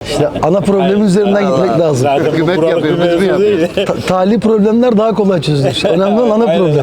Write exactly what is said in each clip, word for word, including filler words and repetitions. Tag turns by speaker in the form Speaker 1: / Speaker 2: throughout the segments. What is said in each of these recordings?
Speaker 1: İşte ana problemin üzerinden gitmek lazım.
Speaker 2: Zaten
Speaker 3: Hükümet
Speaker 2: bu
Speaker 3: yapıyor,
Speaker 2: problem
Speaker 3: biz mi yapıyoruz?
Speaker 2: değil.
Speaker 1: Ta- tali problemler daha kolay çözülür. İşte önemli olan ana problem.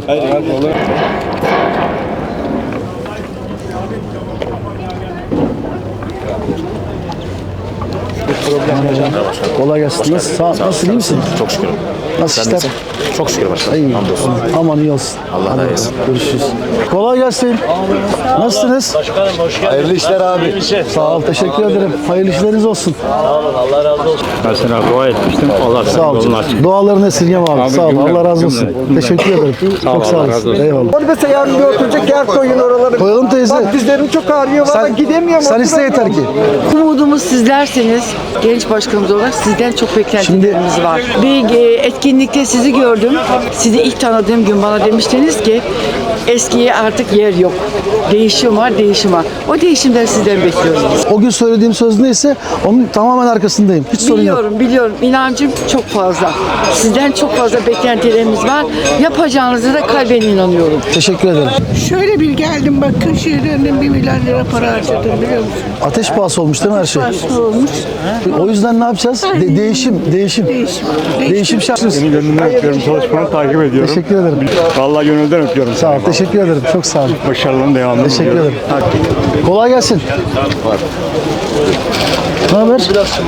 Speaker 1: Kolay gelsin. Nasıl, sağ, nasıl iyi misin?
Speaker 4: Çok şükür.
Speaker 1: Nasıl
Speaker 4: Sen
Speaker 1: işler?
Speaker 4: nasılsın? Çok şükür başkanım.
Speaker 1: İyi.
Speaker 4: Hamdolsun.
Speaker 1: Aman iyi olsun.
Speaker 4: Allah
Speaker 1: Hadi
Speaker 4: razı olsun.
Speaker 1: Görüşürüz. Kolay gelsin. Nasılsınız?
Speaker 2: Başkanım hoş geldiniz.
Speaker 3: Hayırlı işler abi.
Speaker 1: Sağ ol. Teşekkür ederim. Hayırlı işleriniz olsun.
Speaker 2: Sağ olun, Allah razı olsun.
Speaker 5: Ben sana dua etmiştim. Allah
Speaker 1: Sağ
Speaker 5: senin
Speaker 1: ol.
Speaker 5: yolunu açsın.
Speaker 1: Dualarını esirgeme abi.
Speaker 5: Abi,
Speaker 1: Sağ ol.
Speaker 5: cümle,
Speaker 1: Allah razı olsun.
Speaker 5: cümle, cümle.
Speaker 1: Teşekkür ederim. Çok sağ
Speaker 5: Allah razı
Speaker 1: olasın.
Speaker 5: olsun.
Speaker 1: Eyvallah.
Speaker 6: Onu mesela yarın bir oturacak yer koyun oraları.
Speaker 1: Koyalım teyze.
Speaker 6: Bak dizlerim çok ağrıyor. Valla gidemiyorum.
Speaker 1: Sen iste yeter ki.
Speaker 7: Umudumuz sizlerseniz, genç başkanımız olarak sizden çok beklentilerimiz var. Bir e, etkinlikte sizi gördüm. Sizi ilk tanıdığım gün bana demiştiniz ki eskiye artık yer yok. Değişim var, değişim var. O değişimden sizden bekliyoruz biz.
Speaker 1: O gün söylediğim söz neyse onun tamamen arkasındayım. Hiç sorun yok.
Speaker 7: Biliyorum, biliyorum. İnancım çok fazla. Sizden çok fazla beklentilerimiz var. Yapacağınızı da kalben inanıyorum.
Speaker 1: Teşekkür ederim.
Speaker 8: Şöyle bir geldim bak Kırşehir'den bir milyar lira para harcadım biliyor musun?
Speaker 1: Ateş pahası olmuş değil mi her şey?
Speaker 8: Nasıl olmuş?
Speaker 1: O yüzden ne yapacağız? De- değişim, değişim.
Speaker 8: Değişim.
Speaker 1: Değişim şart.
Speaker 5: Senin gönlünden öpüyorum. Çalışmanı takip ediyorum.
Speaker 1: Teşekkür ederim.
Speaker 5: Vallahi gönülden öpüyorum.
Speaker 1: Sağ ol. Teşekkür ederim. Çok sağ ol.
Speaker 5: Başarıların devamını
Speaker 1: Teşekkür
Speaker 5: diliyorum.
Speaker 1: ederim. Kolay gelsin. Ne haber?